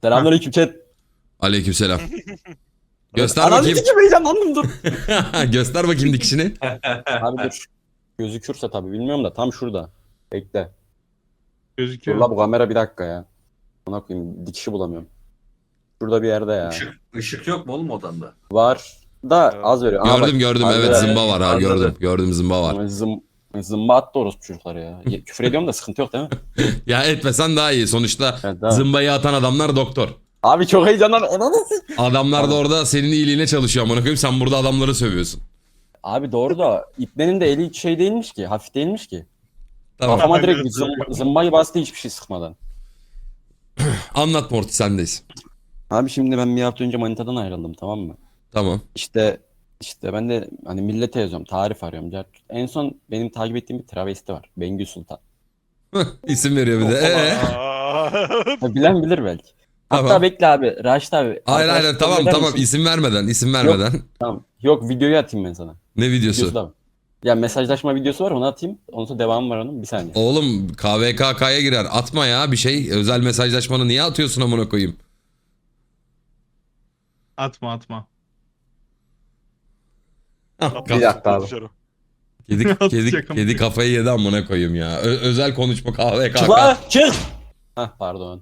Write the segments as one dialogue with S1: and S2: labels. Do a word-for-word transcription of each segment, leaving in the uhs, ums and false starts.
S1: Selamünaleyküm chat.
S2: Aleykümselam. Göster
S1: Ananı
S2: bakayım.
S1: sikeyim, heyecanlandım dur.
S2: Göster bakayım dikişini.
S1: Abi dur. Gözükürse tabii bilmiyorum da tam şurada. Bekle. Dur
S3: Gözüküyor.
S1: la bu kamera bir dakika ya. Ona koyayım dikişi bulamıyorum. Şurada bir yerde ya.
S4: Işık, ışık yok mu oğlum odanda?
S1: Var da az veriyor. Aa,
S2: Gördüm
S1: bak,
S2: gördüm
S1: az
S2: evet
S1: veriyor.
S2: zımba var ha
S4: Anladım.
S2: gördüm. Gördüm zımba var.
S1: Ama Zım, zımba attı orospu çocukları ya. Ye- Küfür ediyorum da sıkıntı yok değil mi?
S2: Ya etmesen daha iyi. Sonuçta
S1: Evet, tamam.
S2: zımbayı atan adamlar doktor.
S1: Abi çok heyecanlandım. Ananı sikeyim.
S2: Adamlar da
S1: Tamam.
S2: orada senin iyiliğine çalışıyor amına koyayım. Sen burada adamları sövüyorsun.
S1: Abi doğru da İbne'nin de eli hiç şey değilmiş ki. Hafif değilmiş ki.
S2: Tamam.
S1: Kafama
S3: Aynen,
S1: direkt zım, zımbayı bastı hiçbir şey sıkmadan.
S2: Anlat Morty sendeyiz.
S1: Abi şimdi ben bir hafta önce manitadan ayrıldım, tamam mı?
S2: Tamam.
S1: İşte işte ben de hani millete yazıyorum, tarif arıyorum. Ya en son benim takip ettiğim bir travesti var. Bengü Sultan.
S2: İsim veriyor bir de. Ee?
S1: Ha, bilen bilir belki. Hatta
S2: Tamam.
S1: bekle abi, Raşit abi.
S2: Hayır hayır
S1: arkadaşlık
S2: tamam
S1: kabul eder
S2: tamam
S1: misin?
S2: isim vermeden isim vermeden.
S1: Tamam. Yok, videoyu atayım ben sana.
S2: Ne
S1: Videosu
S2: videosu?
S1: da var. Ya mesajlaşma videosu var, onu atayım. Ondan sonra devamı var onun, bir saniye.
S2: Oğlum K V K K'ya girer. Atma ya bir şey. Özel mesajlaşmanı niye atıyorsun amına koyayım?
S3: Atma atma.
S1: Bir dakika abi.
S2: Kedi, kedi,
S3: Atacak ama.
S2: kedi kafayı yedi amına koyayım ya. Ö- özel konuşma K V K
S1: Çık
S2: K.
S1: lan, çık! Hah pardon.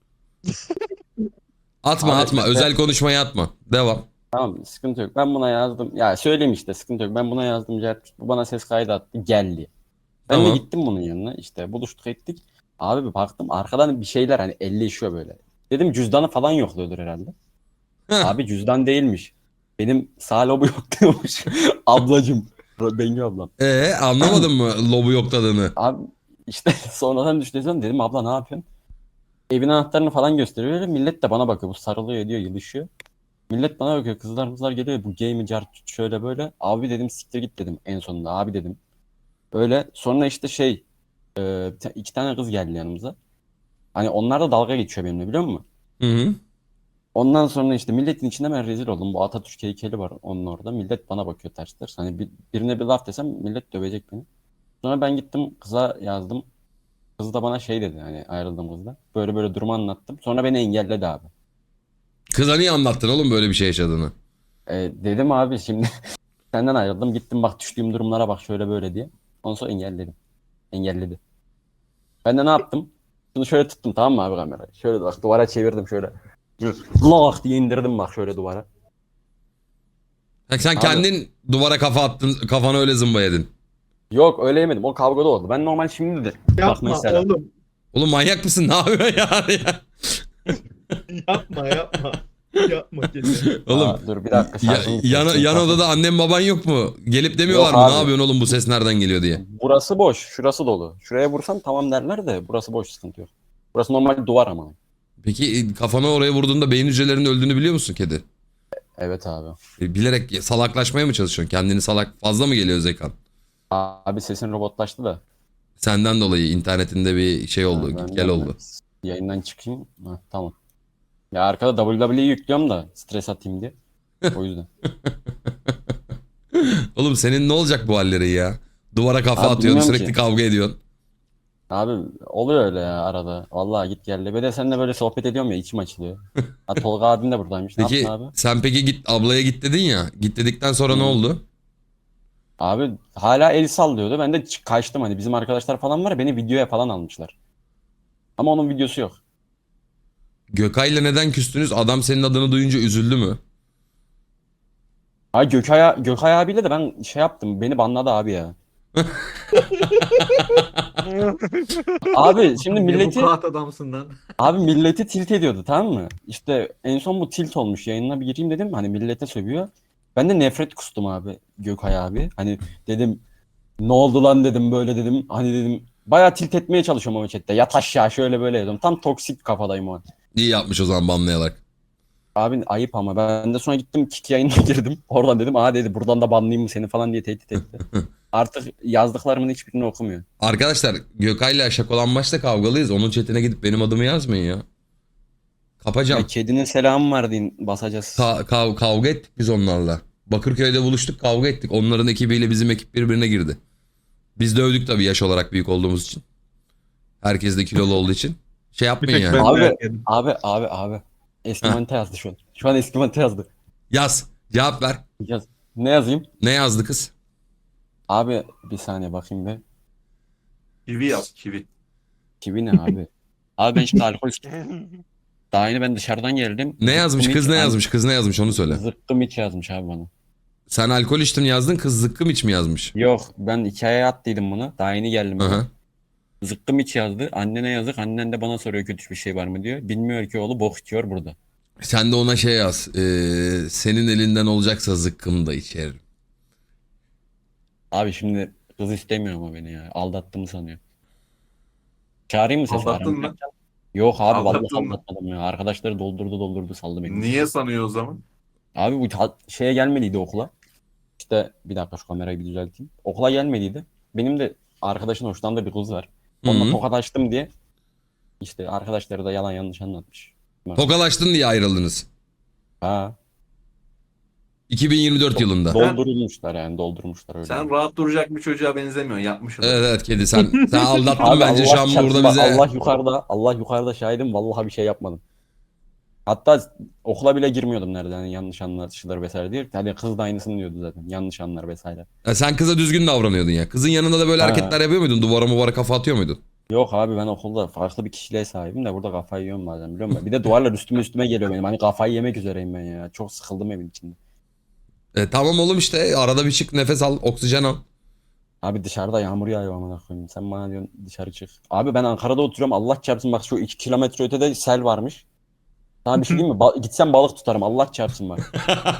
S2: Atma
S1: Abi,
S2: atma.
S1: işte-
S2: Özel konuşmayı atma. Devam.
S1: Tamam, sıkıntı yok. Ben buna yazdım. Ya söyleyeyim işte, sıkıntı yok. Ben buna yazdım. Cevap- Bu bana ses kaydı attı. Geldi. Ben
S2: Tamam.
S1: de gittim bunun yanına. İşte buluştuk ettik. Abi bir baktım arkadan bir şeyler hani elleşiyor böyle. Dedim cüzdanı falan yokluyordur herhalde.
S2: Heh.
S1: Abi cüzdan değilmiş. Benim sağ lobu yok diyormuş. Ablacım. Bengü ablam.
S2: Ee anlamadın mı lobu yoktadığını?
S1: Abi işte sonradan düşünüyorum, dedim abla ne yapıyorsun? Evin anahtarını falan gösteriyor. Öyle millet de bana bakıyor. Bu sarılıyor ediyor, yılışıyor. Millet bana bakıyor. Kızlar kızlar geliyor. Bu gay mi car şöyle böyle. Abi dedim siktir git dedim en sonunda. Abi dedim. Öyle sonra işte şey e, bir ta- iki tane kız geldi yanımıza. Hani onlar da dalga geçiyor benimle, biliyor musun?
S2: Hı hı.
S1: Ondan sonra işte milletin içinde ben rezil oldum. Bu Atatürk heykeli var onun orada. Millet bana bakıyor ters ters. Hani bir, birine bir laf desem millet dövecek beni. Sonra ben gittim kıza yazdım. Kız da bana şey dedi, hani ayrıldım kızla. Böyle böyle durumu anlattım. Sonra beni engelledi abi.
S2: Kıza niye anlattın oğlum böyle bir şey yaşadığını?
S1: E, dedim abi şimdi senden ayrıldım. Gittim bak düştüğüm durumlara bak şöyle böyle diye. Ondan sonra engelledim. Engelledi. Ben de ne yaptım? Şunu şöyle tuttum, tamam mı abi kamerayı? Şöyle bak duvara çevirdim şöyle. Lak diye indirdim bak şöyle duvara.
S2: Ha, sen
S1: Abi-
S2: kendin duvara kafa attın, kafana öyle zımba yedin.
S1: Yok öyle yemedim. O kavgada oldu. Ben normal şimdi de. Bak
S3: Yapma
S1: mesela.
S3: oğlum.
S2: Oğlum manyak mısın? Ne yapıyorsun yani ya?
S3: Yapma yapma. Yapma kesin.
S2: Oğlum
S1: Aa, dur bir dakika.
S2: ya,
S1: şarjım
S2: yan,
S1: bitti.
S2: yan odada annem baban yok mu? Gelip demiyorlar
S1: Yok
S2: mı?
S1: abi.
S2: Ne yapıyorsun oğlum bu ses nereden geliyor diye.
S1: Burası boş. Şurası dolu. Şuraya vursam tamam derler de burası boş, sıkıntı yok. Burası normal duvar ama.
S2: Peki e, kafana oraya vurduğunda beyin hücrelerinin öldüğünü biliyor musun kedi?
S1: Evet abi.
S2: E, Bilerek salaklaşmaya mı çalışıyorsun? Kendini salak fazla mı geliyor zekan?
S1: Abi sesin robotlaştı da.
S2: Senden dolayı internetinde bir şey oldu,
S1: Ha, ben
S2: git gel
S1: de-
S2: oldu.
S1: Yayından çıkayım. Ha, tamam. Ya arkada W W E yüklüyorum da stres atayım diye. O yüzden.
S2: Oğlum senin ne olacak bu halleri ya? Duvara kafa
S1: Abi
S2: atıyorsun,
S1: bilmiyorum
S2: sürekli
S1: ki.
S2: kavga ediyorsun.
S1: Abi oluyor öyle ya arada. Vallahi git gel. Bir de seninle böyle sohbet ediyorum ya, içim açılıyor. Ha, Tolga abim de buradaymış. Ne
S2: Peki
S1: yaptın abi?
S2: sen peki git ablaya git dedin ya. Git dedikten sonra ne
S1: Hı.
S2: oldu?
S1: Abi hala el sallıyordu. Ben de ç- kaçtım, hani bizim arkadaşlar falan var ya, beni videoya falan almışlar. Ama onun videosu yok.
S2: Gökay'la neden küstünüz? Adam senin adını duyunca üzüldü mü?
S1: Ha Gökay, Gökay abiyle de ben şey yaptım. Beni banladı abi ya. Abi şimdi
S4: Ne
S1: milleti
S4: bu kağıt adamsın lan.
S1: abi milleti tilt ediyordu, tamam mı? İşte en son bu tilt olmuş, yayınına bir gireyim dedim, hani millete sövüyor. Ben de nefret kustum abi Gökay abi. Hani dedim ne oldu lan dedim, böyle dedim. Hani dedim bayağı tilt etmeye çalışıyorum ama chatte. Yat aşağı şöyle böyle dedim. Tam toksik kafadayım o an.
S2: İyi yapmış o zaman banlayarak.
S1: Abi ayıp ama ben de sonra gittim Kik yayınına girdim. Oradan dedim aa dedi buradan da banlayayım mı seni falan diye tehdit etti. Artık yazdıklarımın hiçbirini okumuyor.
S2: Arkadaşlar Gökay'la şakolanmaçla kavgalıyız. Onun chatine gidip benim adımı yazmayın ya. Kapacağım.
S1: Ya kedinin selamı var deyin, basacağız.
S2: Ka- kav- kavga ettik biz onlarla. Bakırköy'de buluştuk, kavga ettik. Onların ekibiyle bizim ekip birbirine girdi. Biz dövdük tabii yaş olarak büyük olduğumuz için. Herkes de kilolu olduğu için. Şey
S3: Bir
S2: yapmayın
S3: tek
S2: yani.
S3: ben
S1: Abi-
S3: dayak yedim.
S1: Abi abi abi. Eski
S2: Heh.
S1: manita yazdı şu an. Şu an eski manita yazdı.
S2: Yaz. Cevap ver.
S1: Yaz. Ne yazayım?
S2: Ne yazdı kız?
S1: Abi bir saniye bakayım be.
S4: Kivi yaz kivi.
S1: Kivi ne abi? Abi ben şimdi alkol Daha yeni ben dışarıdan geldim.
S2: Ne yazmış?
S1: Zıkkım
S2: Kız
S1: iç-
S2: ne yazmış? Kız ne yazmış onu söyle.
S1: Zıkkım iç yazmış abi bana.
S2: Sen alkol içtin yazdın. Kız zıkkım iç mi yazmış?
S1: Yok ben hikayeye attıydım bunu. Daha yeni geldim.
S2: Hı
S1: ben.
S2: hı.
S1: Zıkkım iç yazdı. Annene yazık. Annen de bana soruyor kötü bir şey var mı diyor. Bilmiyor ki oğlu bok içiyor burada.
S2: Sen de ona şey yaz. Ee, senin elinden olacaksa zıkkım da içerim.
S1: Abi şimdi kız istemiyor ama beni ya. Aldattığımı sanıyor. Çağırayım mı sesi?
S4: Aldattın mı?
S1: Yok abi vallahi
S4: Aldattın mı?
S1: aldatmadım ya. Arkadaşları doldurdu doldurdu saldı beni.
S4: Niye sanıyor o zaman?
S1: Abi bu ta- şeye gelmediydi okula. İşte bir dakika şu kamerayı bir düzelteyim. Okula gelmediydi. Benim de arkadaşın hoşlandığı bir kız var. Onunla
S2: Hı hı.
S1: tokalaştım diye işte arkadaşları da yalan yanlış anlatmış.
S2: Tokalaştın diye ayrıldınız.
S1: Ha,
S2: iki bin yirmi dört yılında.
S1: doldurulmuşlar yani doldurmuşlar öyle.
S4: Sen rahat duracak bir çocuğa benzemiyorsun. Yapmışsın.
S2: Evet evet kedi sen sen aldattın
S1: Abi
S2: bence
S1: Allah
S2: şu an
S1: çarpsın
S2: burada
S1: bak,
S2: bize.
S1: Allah yukarıda, Allah yukarıda şahidim vallahi bir şey yapmadım. Hatta okula bile girmiyordum nereden yani yanlış anlaşılır vesaire diye. Hani kız da aynısını diyordu zaten. Yanlış anlar vesaire.
S2: Ya sen kıza düzgün davranıyordun ya. Kızın yanında da böyle
S1: Ha.
S2: hareketler yapıyor muydun? Duvara muvara kafa atıyor muydun?
S1: Yok abi ben okulda farklı bir kişiliğe sahibim de burada kafayı yiyorum bazen biliyor musun? Bir de duvarlar üstüme üstüme geliyor benim. Hani kafayı yemek üzereyim ben ya. Çok sıkıldım evin içinde.
S2: E, tamam oğlum işte arada bir çık nefes al oksijen al.
S1: Abi dışarıda yağmur yağıyor amına koyayım. Sen bana diyorsun dışarı çık. Abi ben Ankara'da oturuyorum. Allah çarpsın bak şu iki kilometre ötede sel varmış. Sana bir şey diyeyim mi? Ba- gitsem balık tutarım. Allah çarpsın bak.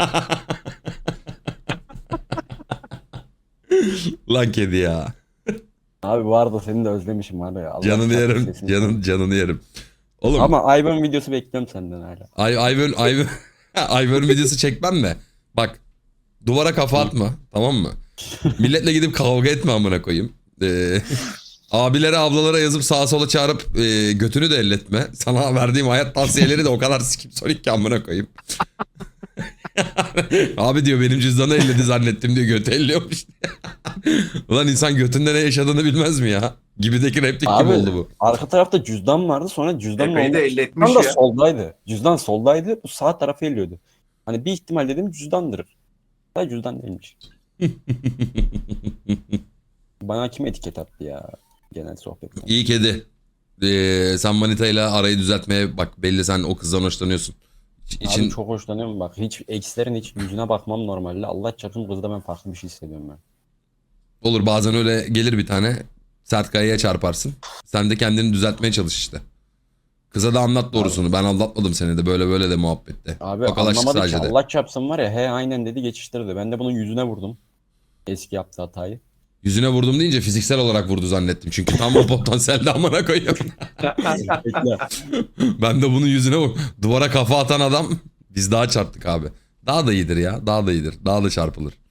S2: Lan kedi ya.
S1: Abi bu arada seni de özlemişim var ya. Allah
S2: Canını
S1: çarpsın
S2: yerim.
S1: sesini.
S2: Canın, canını yerim. Oğlum
S1: Ama Ayben videosu bekliyorum senden hala.
S2: Ay, Ayvön, Ayvön, Ayvön videosu çekmem mi? Bak duvara kafa atma tamam mı? Milletle gidip kavga etme amına koyayım. Ee, abilere ablalara yazıp sağa sola çağırıp e, götünü de elletme. Sana verdiğim hayat tavsiyeleri de o kadar sikip sonik ki amına koyayım. Abi diyor benim cüzdanı elledi zannettim diyor götü elliyormuş. Ulan insan götünde ne yaşadığını bilmez mi ya? Gibideki replik gibi
S1: Abi,
S2: oldu bu.
S1: Arka tarafta cüzdan vardı sonra cüzdanın
S4: Epey de
S1: oldu.
S4: elletmiş
S1: Cüzdan da
S4: ya.
S1: soldaydı. Cüzdan soldaydı. Bu sağ tarafı elliyordu. Hani bir ihtimal dedim cüzdandır. Da cüzdan değilmiş. Bana kim etiket attı ya? Genel sohbetten.
S2: İyi kedi. Ee, sen manitayla arayı düzeltmeye bak belli sen o kızdan hoşlanıyorsun. İç-
S1: Abi
S2: İçin,
S1: çok hoşlanıyorum bak. Hiç eksilerin hiç yüzüne bakmam normalde. Allah çarpsın kızda ben farklı bir şey hissediyorum ben.
S2: olur bazen öyle gelir bir tane sert kayaya çarparsın. Sen de kendini düzeltmeye çalış işte. Kıza da anlat doğrusunu. Ben aldatmadım seni de böyle böyle de muhabbette.
S1: Abi
S2: Tokalaştık
S1: anlamadı ki
S2: sadece de.
S1: Allah çarpsın var ya he aynen dedi geçiştirdi. Ben de bunun yüzüne vurdum. Eski yaptığı hatayı.
S2: Yüzüne vurdum deyince fiziksel olarak vurdu zannettim. Çünkü tam o potansiyelde amına koyuyorum.
S1: Bekle.
S2: Ben de bunun yüzüne vur. Duvara kafa atan adam biz daha çarptık abi. Daha da iyidir ya. Daha da iyidir. Daha da çarpılır.